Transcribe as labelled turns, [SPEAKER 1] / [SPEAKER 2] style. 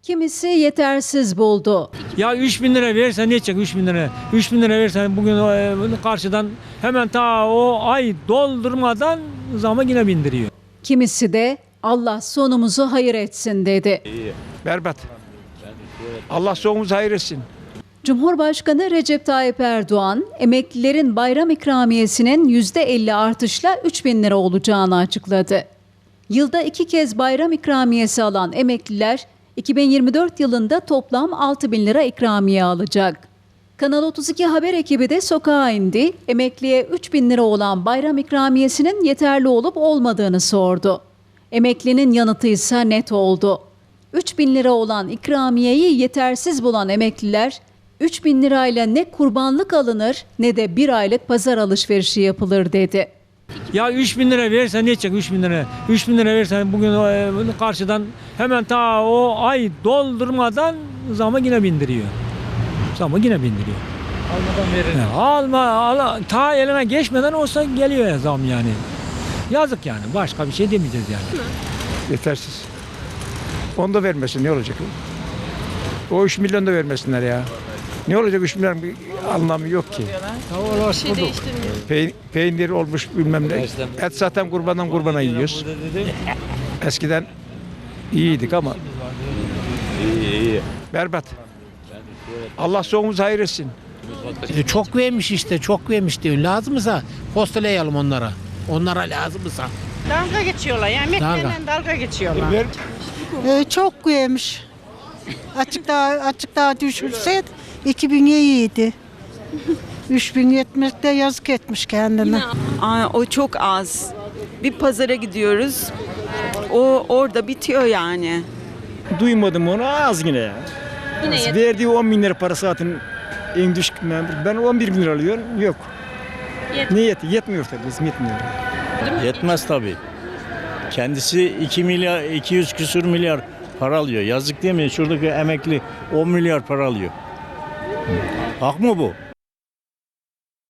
[SPEAKER 1] Kimisi yetersiz buldu.
[SPEAKER 2] Ya 3.000 lira verirsen ne edecek 3.000 lira? 3.000 lira verirsen bugün karşıdan hemen ta o ay doldurmadan zamı yine bindiriyor.
[SPEAKER 1] Kimisi de Allah sonumuzu hayır etsin dedi.
[SPEAKER 3] Berbat. Allah sonumuzu hayır etsin.
[SPEAKER 1] Cumhurbaşkanı Recep Tayyip Erdoğan, emeklilerin bayram ikramiyesinin %50 artışla 3.000 lira olacağını açıkladı. Yılda 2 kez bayram ikramiyesi alan emekliler, 2024 yılında toplam 6.000 lira ikramiye alacak. Kanal 32 haber ekibi de sokağa indi, emekliye 3.000 lira olan bayram ikramiyesinin yeterli olup olmadığını sordu. Emeklinin yanıtı ise net oldu. 3.000 lira olan ikramiyeyi yetersiz bulan emekliler, 3.000 lirayla ne kurbanlık alınır ne de bir aylık pazar alışverişi yapılır dedi.
[SPEAKER 2] Ya 3.000 lira verirsen ne edecek 3.000 lira? 3.000 lira verirsen bugün karşıdan hemen ta o ay doldurmadan zamı yine bindiriyor. Zamı yine bindiriyor.
[SPEAKER 4] Almadan verir.
[SPEAKER 2] Ta eline geçmeden olsa geliyor ya zam yani. Yazık yani. Başka bir şey demeyeceğiz yani.
[SPEAKER 3] Yetersiz. Onu da vermesin ne olacak? O 3 milyon da vermesinler ya. Ne olacak 3 milyon bir anlamı yok ki. Peynir olmuş bilmem ne. Et zaten kurbandan kurbana yiyoruz. Eskiden iyiydik ama.
[SPEAKER 5] İyi.
[SPEAKER 3] Berbat. Allah sonumuzu hayır etsin.
[SPEAKER 6] Çok vermiş işte, çok vermiş diyor. Lazımsa postalayalım onlara. Onlara lazımsa.
[SPEAKER 7] Dalga geçiyorlar yani emeklilerle dalga geçiyorlar.
[SPEAKER 8] Çok yemiş. Açık daha düşürse 2000 iyiydi. 3000 yetmekte yazık etmiş kendine.
[SPEAKER 9] O çok az. Bir pazara gidiyoruz. O orada bitiyor yani.
[SPEAKER 10] Duymadım onu az yine ya. Verdiği 10 bin lira para zaten en düşük memur. Ben 11 bin lira alıyorum. Yok. Yetmiyor tabii. Bizim yetmiyor.
[SPEAKER 5] Yetmez tabii. Kendisi 2 milyar 200 küsür milyar para alıyor. Yazık değil mi? Şuradaki emekli 10 milyar para alıyor. Hak mı bu?